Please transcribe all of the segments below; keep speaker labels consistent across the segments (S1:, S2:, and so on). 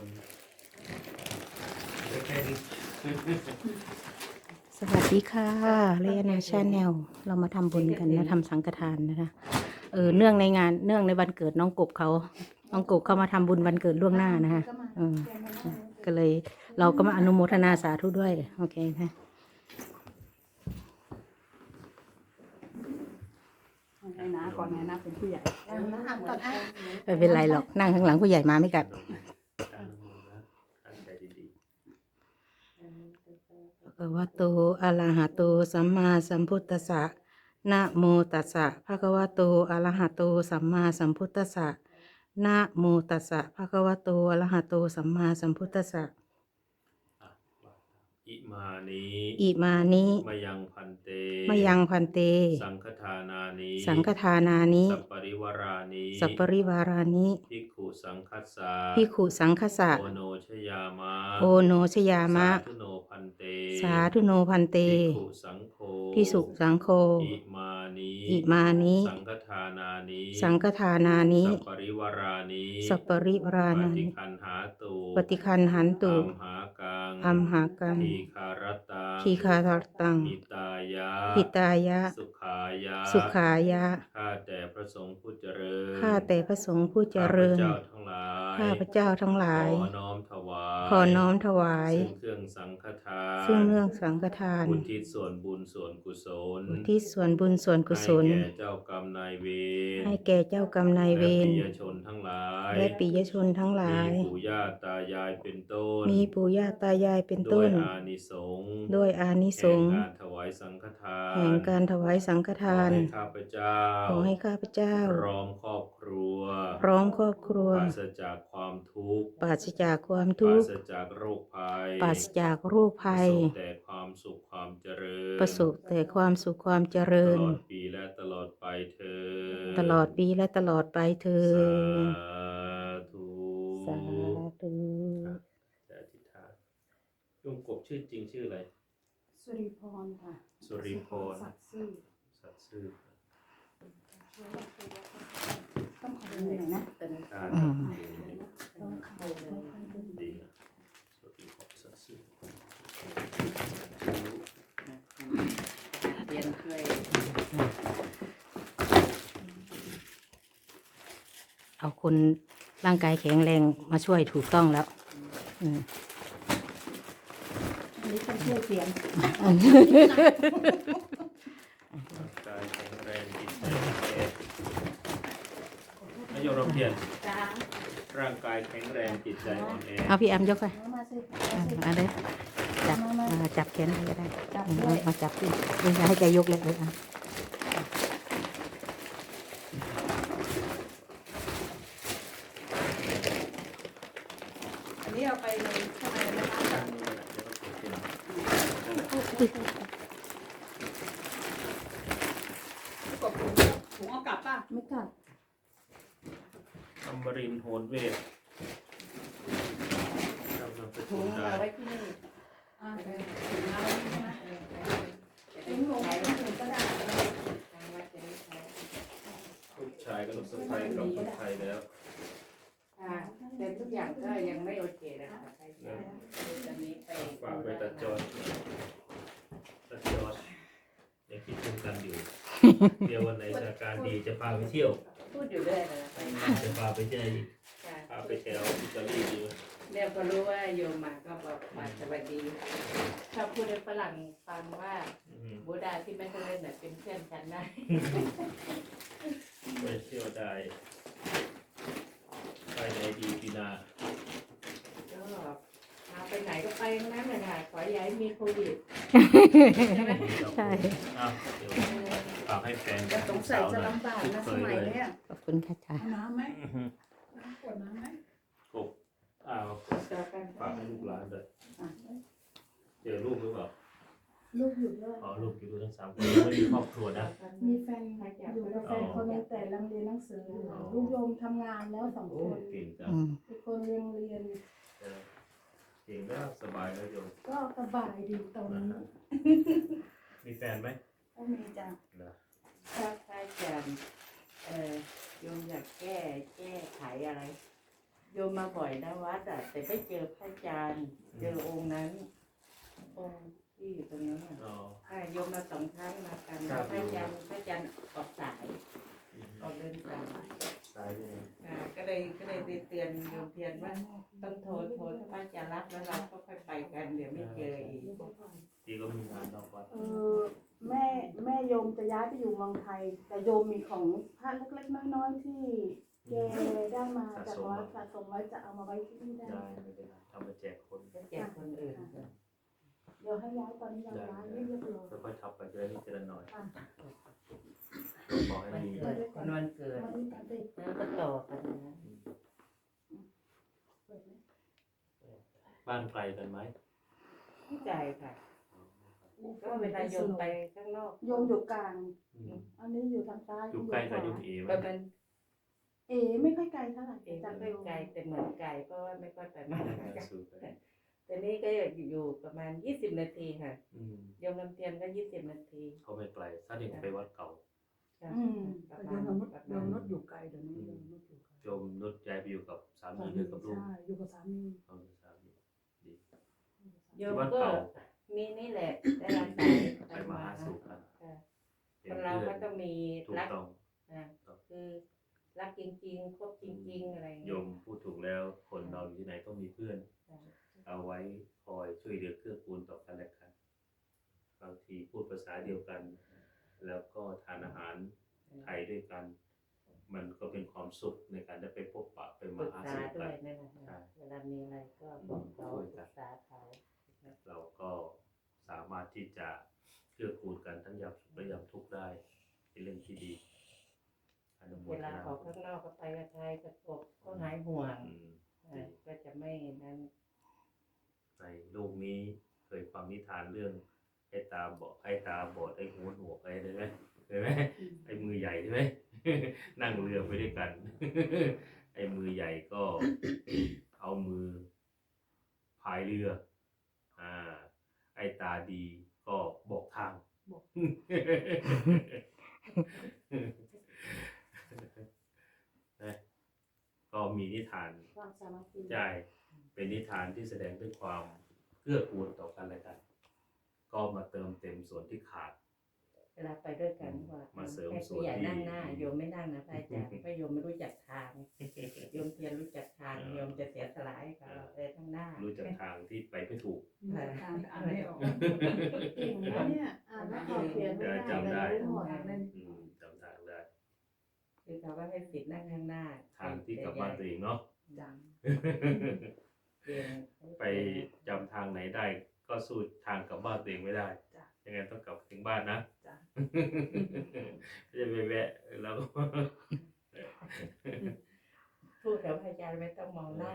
S1: แค่นี้
S2: สวัสดีค่ะเรียนาชาแนลเรามาทำบุญกันนะทำสังฆทานนะคะเนื่องในงานเนื่องในวันเกิดน้องกบเขาน้องกบเขามาทำบุญวันเกิดล่วงหน้านะคะก็เลยเราก็มาอนุโมทนาสาธุด้วยโอเคนะ
S3: ไอ้นะก่อนไงนะเป็นผู้ใหญ่
S2: ไม่เป็นไรหรอกนั่งข้างหลังผู้ใหญ่มาไม่กัดภะคะวะโตอะระหะโตสัมมาสัมพุทธัสสะนะโมตัสสะภะคะวะโตอะระหะโตสัมมาสัมพุทธัสสะนะโมตัสสะภะคะวะโตอะระหะโตสัมมาสัมพุทธัสสะ
S1: อิมานิ
S2: อิมานิ
S1: มยังพันเต
S2: มยังพันเต
S1: สังฆทานานิ
S2: สังฆทานานิ
S1: สัปปริวารานิ
S2: สัปปริวารานิ
S1: ภิกขุสังคัสสะ
S2: ภิกขุสังฆสะ
S1: โอโนชยามะ
S2: โอโนชยามะ
S1: สาธุโนพันเต
S2: สาธุโนพันเต
S1: ภิกขุสังโฆ
S2: ภิกษุสังโฆ
S1: อิมานิ
S2: อิมานิ
S1: สังฆทานานิ
S2: สังฆทานานิ
S1: สัปปริวารานิ
S2: สัปปริวารา
S1: ป
S2: นิ
S1: ฏิคันหาตุ
S2: ปฏิคันหันตุ
S1: อัมหากัง
S2: อัมหากัง
S1: ทีคารตัง
S2: ทีคาทตัง
S1: หิตายะ
S2: หิตายะ
S1: สุขายะ
S2: สุขายะ
S1: ข้าแต่พระสงฆ์ผู้เจริญ
S2: ข้าแต่พระสงฆ์ผู้เจริญ
S1: ข้าพเจ้าทั้งหลาย
S2: ข้าพเจ้าทั้งหลาย
S1: ขอน้อมถวาย
S2: ขอน้อมถวาย
S1: ซึ่งเครื่องสังฆทาน
S2: ซึ่งเรื่องสังฆทาน
S1: อุทิศส่วนบุญส่วนกุศล
S2: อุทิศส่วนบุญส่วนกุศล
S1: ให้แก่เจ้ากรรมนายเวร
S2: ให้แก่เจ้ากรรมนายเวร
S1: และปิยชนทั้งหลาย
S2: และปิยชนทั้งหลาย
S1: มีปู่ย่าตายายเป็นต้น
S2: มีปู่ย่าตายายเป็น
S1: ด้
S2: ต้
S1: วย
S2: น
S1: อานิสงส์
S2: ด้วยอานิสงส์
S1: แห่งการถวายสังฆทาน
S2: แห่งการถวายสังฆทาน
S1: ขอให้ข้าพเจ้า
S2: ขอให้ข้าพเจ้า
S1: พร้อมครอบครัว
S2: พร้อมครอบครัว
S1: ปราศจากความทุกข์
S2: ปราศจากความ
S1: ป
S2: ทุ
S1: ราก
S2: ข์
S1: ศจากโรคภัย
S2: ปราศจากโรคภัย
S1: ประสบแต่ความสุขความเจริญ
S2: ประสบแต่ความสุขความเจ
S1: ต
S2: ริญ
S1: ลอดปีและตลอดไปเธอญ
S2: ตลอดปีและตลอดไปเธอ
S1: สา
S2: ญ
S1: ธุ
S2: สาธุ
S1: จะอธิษฐานลุงกบชื่อจริงชื่ออะไร
S3: สุริพรค่ะ
S1: สุริพร
S3: สัตย์ซื่อ
S1: สัตย์ซื่อ
S3: ต้องขอดูหน่อยนะ
S1: อ่า
S2: อืม
S3: ต้องเข้าต้องเข้าดู
S1: ดีนะสุริพรสัตย์ซื่อ
S4: เรียนช่วย
S2: เอาคนร่างกายแข็งแรงมาช่วยถูกต้องแล้วอืม
S3: อันนี้ต้องช่วยเสียง
S1: ร่างกายแข็งแรงจิตใจแข็งนายกรบเพียร
S3: จ้า
S1: ร่างกายแข็งแรงจิตใจอ่อนแอ
S2: เอาพี่แอมยกไป
S3: มาสิ
S2: มาเลยจับจับแขนก็ได้
S3: จับ
S2: อืม
S3: ด้วย
S2: มาจับที่จะให้แกยกเลยอ่ะ
S3: อันนี้เอาไปเลยข้างในนะคะ กบถุงเอากลับป่ะไม่กลับ
S1: อมรินทร์โหนเวทจำนำส
S4: ถุ
S1: กุ
S4: ง
S1: ลได้
S4: เอาไว้ที่นี่
S3: อ่าถุงเอาไว้ใช่ไหมถุงลงถุงก็ได้
S1: ลูกชายกับลูกสะใภ้กลับเมืองไทยแล้ว
S4: แต่ทุกอย่างก็ยังไม่โอเคนะคะใช่ตอนนี้ไป
S1: ฝากไปตัดจอดยังคิดถึงกันอยู่ เดี๋ยววันไหนสถานการณ์ดีจะพาไปเที่ยว
S4: พูดอยู่เรื่อยเลยไป
S1: จะพาไปที่ไหนอีกพาไปแถวอิตาลีดี
S4: เนี่ยพอรู้ว่าโยมมาก็บอกมาสวัสดีชอบพูดให้ฝรั่งฟังว่าบูดาที่ไม่เคยเล่นเป็นเพื่อนฉันได้
S1: ไปเที่ยวได้ไปไหนดีปีหนา
S4: ก็เอาไปไหนก็ไปทั้งนั้นเลยค่ะขอย้ายมีโควิด
S2: ใช่
S1: อ้าวเดี๋ยวฝากให้แฟน
S3: จะสงสัย
S1: สาว
S3: จะ
S1: หน่อย
S3: ลำบากนะสมัยเนี้ย
S2: ขอบคุณค่ะจ้า
S3: เอาน้ำไหมขวดน้ำไหม
S1: กบอ้าว
S4: เจอกัน
S1: ฝากให้ลูกหลานด้วยเจอลูกหรือเปล่า
S3: ลูกอยู่ด้วย
S1: อ๋อลูกอยู่ทั้ง3 คนไม่มีครอบครัวนะ
S3: มีแฟนอยู่กับแฟนคนนึงแต่ลังเรียนหนังสืออยู่ลูกโยมทำงานแล้ว2
S1: โอ้
S3: คน
S1: เก่งจัง
S2: อืม
S3: อีกคนเรียนอยู่
S1: เก่งแล้วสบายแล้วโยม
S3: ก็สบายดีตอนนี้
S1: มีแฟนไหม
S3: ก็มีจ้ะ
S1: นะ
S4: ถ้าอาจารย์โยมอยากแก้ไขอะไรโยมมาบ่อยนะวัดอ่ะแต่ไม่เจอพระอาจารย์เจอองค์นั้นองค์ที่อยู่ตรงนั้นอ่ะ
S1: อ๋อ
S4: โยมมา2 ครั้งมากัน
S1: ครั
S4: แล้ว
S1: บ
S4: พระอาจารย์ออกสายออกเดินสาย
S1: ตายเลย
S4: ก็เลยเตือนโยมเทียนว่าต้องโทรถ้าพระอาจารย์รับแล้วเราก็ค่อยไปกันเดี๋ยวไม่เจออีก
S1: ทีก็มีงานนอกวัด
S3: แม่โยมจะย้ายไปอยู่เมืองไทย แต่โยมมีของพระเล็กๆน้อยๆที่แกได้มาจากวัดสะสมไว้จะเอามาไว้ที่นี่ได้
S1: ได้ไม่เป็นไรทำมาแจกคน
S4: จะแจกคนอื่น
S3: เดี๋ยวให้ย้ายตอนนี้เราย้ายเรียบร้อย
S1: ค่อยๆทำไปเรื่อยๆทีละหน่อย
S3: อ่ะ
S1: ขอให้
S4: วัน
S1: มี
S4: เกิดวันเกิด
S3: วันนี้ตัดเด็ก
S4: แล้วก็ต่อกันนะ
S3: เปิดไหม
S1: บ้านไกลกันไหม
S4: เข้าใจค่ะก็เวลาโยมไปข้างนอก
S3: โยมอยู่กลาง
S1: อืม
S3: อันนี้อยู่ทางซ้าย
S1: อยู่ใกล้กับยุงเอไหม
S4: ประมาณ
S3: ไม่ค่อยไกลเท่าไหร่
S4: เอง
S3: จาก
S4: ไม่ไกลแต่เหมือนไกลเพราะว่าไม่ค่อยไปมา
S1: สุดเลย แต่
S4: แต่นี่ก็อยู่ประมาณ20 นาทีค่ะ
S1: อืม
S4: โยมลำเทียนก็20 นาที
S1: เขาไม่ไกลถ้าเด็กไปวัดเก่า
S4: ประ
S3: โย
S4: มาณ
S3: มนุชโยมนุชอยู่ไกลเดี๋ยวนี้โยมนุชอยู่ไกล
S1: โยมนุชย้ายไปอยู่กับสามีหรือกับลูก
S3: ใช่อยู่กับสามี
S1: เอาสามีดี
S4: โยมก็มีนี่แหละได้รับสาย
S1: ไปมาหาสู่กัน
S4: ค่ะ
S1: เป็
S4: คน นเรา
S1: เพื่อ
S4: ก็
S1: น
S4: ต้องมี
S1: ถูก
S4: รัก
S1: ต้อง
S4: คือรักจริงๆคบจริงๆอะไร
S1: โยมพูดถูกแล้วคนเราอยู่ที่ไหนต้องมีเพื่อน เอาไว้คอยช่วยเหลือเกื้อกูลต่อกันและกันบางทีพูดภาษาเดียวกัน แล้วก็ทานอาหารไทยด้วยกัน มันก็เป็นความสุขในการได้ไปพบปะไป
S4: ป
S1: มา
S4: รึก
S1: หา
S4: ษา
S1: สู่
S4: ด้
S1: กั
S4: วย
S1: น
S4: นั่นแหละค่ะเวลามีอะไรก็บอกเขาปรึกษาเขา
S1: เราก็สามารถที่จะเกื้อกูลกันทั้งยามสุขและยามทุกข์ได้เป็นเรื่องที่ดีอนุโม
S4: เว
S1: ท
S4: ลา
S1: นา
S4: ออกข้างนอกก็ไปกับใครกับกบก็หายห่วง
S1: อืม
S4: ก็จะไม่นั้น
S1: ในโลกนี้เคยฟังนิทานเรื่องไอ้ตาบอดไอ้หูหนวกอะไรเลยไหมเคยไหมไอ้มือใหญ่ใช่ไหม นั่งเรือไปด้วยกัน ไอ้มือใหญ่ก็ เอามือพายเรือ ไอ้ตาดีก็บอกทาง นะก็มีนิทาน
S3: ความสามัคคี
S1: ใช่เป็นนิทานที่แสดงด้วยความเกื้อกูลต่อกันและกัน ก็มาเติมเต็มส่วนที่ขาด
S4: เวลาไปด้วยกันว่า
S1: มาเสริม
S4: ให้
S1: ส่ว
S4: ผู้
S1: น
S4: ใหญ่
S1: ที่
S4: นั่งหน้าโยมไม่นั่งนะพระอาจารย์เพราะโยมไม่รู้จักทางโยมเพียรรู้จักทางโยมจะเสียสละให้เขาไปข้างหน้า
S1: รู้จักทางที่ไปไม่ถูก
S3: ทางอ่านไม่ออกเก่งนะเนี่ยอ่านแล้วออกเขียนไม่ได้
S1: จำได้
S3: แต่รู้หมดเลย
S1: จำทางได้
S4: คือเขาว่าให้สิทธิ์นั่งข้างหน้า
S1: ทางที่กลับบ้านตัวเองเนาะ
S3: จัง
S4: เรียน
S1: ไปจำทางไหนได้ ก็สู้ทางกลับบ้านตัวเองไม่ได้ ยังไงต้องกลับถึงบ้านนะ
S3: จ้ะ
S1: ไม่จะไปแวะแล้วก็
S4: พูดกับพระอาจารย์ไม่ต้องมองหน้า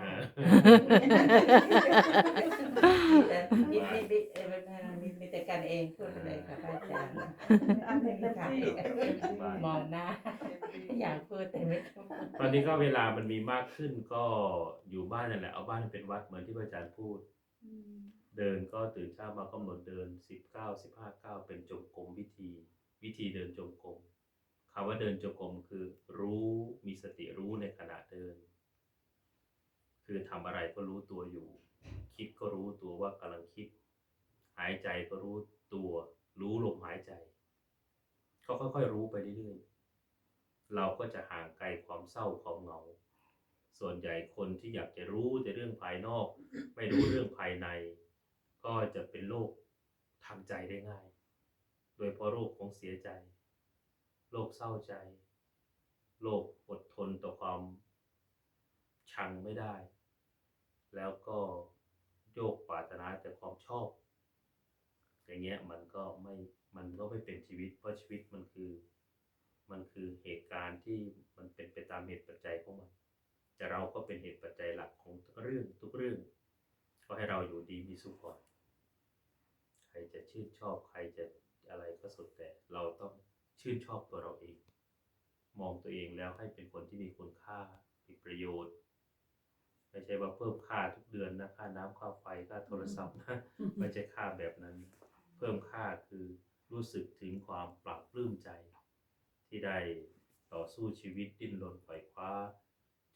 S4: มีแต่กันเองพูดเลยค่ะพระอาจารย์
S3: อันนี้เป็นที่
S4: มองหน้าอยากพูดแต่ไม่ต้อง
S1: ตอนนี้ก็เวลามันมีมากขึ้นก็อยู่บ้านนั่นแหละเอาบ้านเป็นวัดเหมือนที่พระอาจารย์พูด เดินก็ตื่นเช้ามากำหนดเดิน19-15 ก้าวเป็นจงกรมวิธีเดินจงกรมคำว่าเดินจงกรมคือรู้มีสติรู้ในขณะเดิน คือทำอะไรก็รู้ตัวอยู่ คิดก็รู้ตัวว่ากำลังคิด หายใจก็รู้ตัวรู้ลมหายใจก็ค่อยๆรู้ไปเรื่อยๆเราก็จะห่างไกลความเศร้าความเหงาส่วนใหญ่คนที่อยากจะรู้แต่เรื่องภายนอก ไม่รู้เรื่องภายใน ก็จะเป็นโรคทางใจได้ง่าย โดยเพราะโรคของเสียใจโรคเศร้าใจโรคอดทนต่อความชังไม่ได้ แล้วก็โยกปรารถนาแต่ความชอบอย่างเงี้ยมันก็ไม่เป็นชีวิตเพราะชีวิตมันคือเหตุการณ์ที่มันเป็นไปตามเหตุปัจจัยของมันแต่เราก็เป็นเหตุปัจจัยหลักของทุกเรื่องก็ให้เราอยู่ดีมีสุขก่อนใครจะชื่นชอบใครจะอะไรก็สุดแต่เราต้องชื่นชอบตัวเราเองมองตัวเองแล้วให้เป็นคนที่มีคุณค่ามีประโยชน์ไม่ใช่ว่าเพิ่มค่าทุกเดือนนะค่าน้ำค่าไฟค่าโทรศัพท์นะไม่ใช่ค่าแบบนั้นเพิ่มค่าคือรู้สึกถึงความปลาบปลื้มใจที่ได้ต่อสู้ชีวิตดิ้นรนไขว่คว้าจนกระทั่ง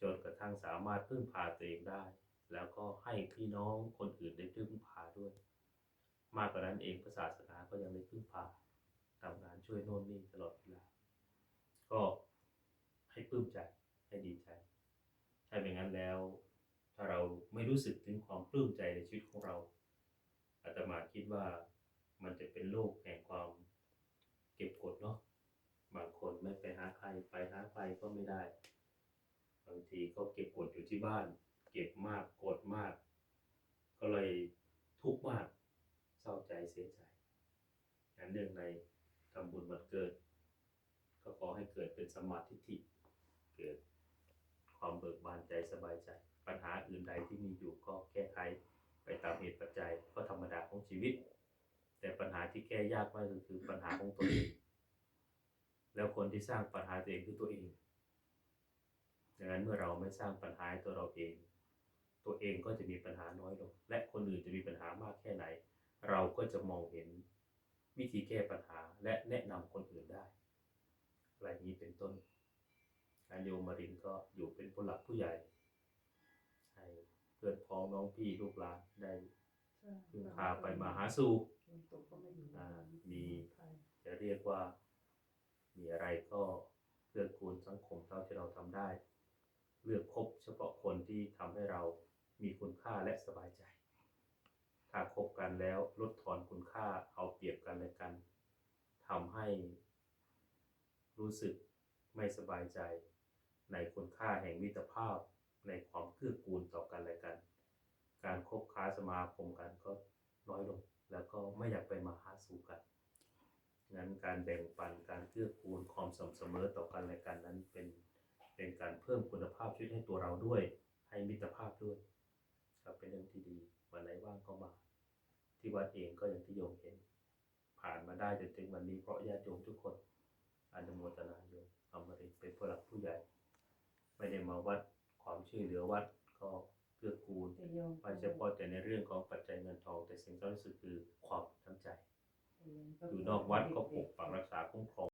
S1: ทั่งสามารถพึ่งพาตัวเองได้ แล้วก็ให้พี่น้องคนอื่นได้พึ่งพาด้วย มากกว่านั้นเองศาสนาก็ยังได้พึ่งพาทำงานช่วยโน่นนี่ตลอดเวลาก็ให้ปลื้มใจให้ดีใจถ้าเป็นงั้นแล้วถ้าเราไม่รู้สึกถึงความปลื้มใจในชีวิตของเราอาตมาคิดว่ามันจะเป็นโลกแห่งความเก็บกดเนาะบางคนไม่ไปหาใครไปหาใครก็ไม่ได้บางทีก็เก็บกดอยู่ที่บ้านเก็บมากกดมากก็เลยทุกข์มากเศร้าใจเสียใจงั้นเนื่องในทำบุญวันเกิดก็ขอให้เกิดเป็นสัมมาทิฏฐิเกิดความเบิกบานใจสบายใจปัญหาอื่นใดที่มีอยู่ก็แก้ไขไปตามเหตุปัจจัยก็ธรรมดาของชีวิตแต่ปัญหาที่แก้ยากมากก็คือปัญหาของตัวเองแล้วคนที่สร้างปัญหาตัวเองคือตัวเองดังนั้นเมื่อเราไม่สร้างปัญหาให้ตัวเราเองตัวเองก็จะมีปัญหาน้อยลงและคนอื่นจะมีปัญหามากแค่ไหนเราก็จะมองเห็นวิธีแก้ปัญหาและแนะนำคนอื่นได้อะไรนี้เป็นต้นการโยมมารินก็อยู่เป็นผู้หลักผู้ใหญ่ให้เพื่อนพ้องน้องพี่ลูกหลานได้พึ่งพาไปมาหาสู่มีจะเรียกว่ามีอะไรก็เพื่อกูลสังคมเท่าที่เราทำได้เลือกคบเฉพาะคนที่ทำให้เรามีคุณค่าและสบายใจถ้าคบกันแล้วลดทอนคุณค่าเอาเปรียบกันและกันทำให้รู้สึกไม่สบายใจในคุณค่าแห่งมิตรภาพในความเกื้อกูลต่อกันและกันการคบค้าสมาคมกันก็น้อยลงแล้วก็ไม่อยากไปมาหาสู่กันงั้นการแบ่งปันการเกื้อกูลความสม่ำเสมอต่อกันและกันนั้นเป็นการเพิ่มคุณภาพชีวิตให้ตัวเราด้วยให้มิตรภาพด้วยก็เป็นเรื่องที่ดีวันไหนว่างก็มาที่วัดเองก็อย่างที่โยมเห็นผ่านมาได้จนถึงวันนี้เพราะญาติโยมทุกคนอนุโมทนาโยมอมรินทร์เป็นผู้หลักผู้ใหญ่ไม่ได้มาวัดความช่วยเหลือวัดก็เกื้อกูลไม่เฉพาะแต่ในเรื่องของปัจจัยเงินทองแต่สิ่งสำคัญที่สุดคือความน้ำใจอยู่นอกวัดก็ปกปักรักษาคุ้มครอง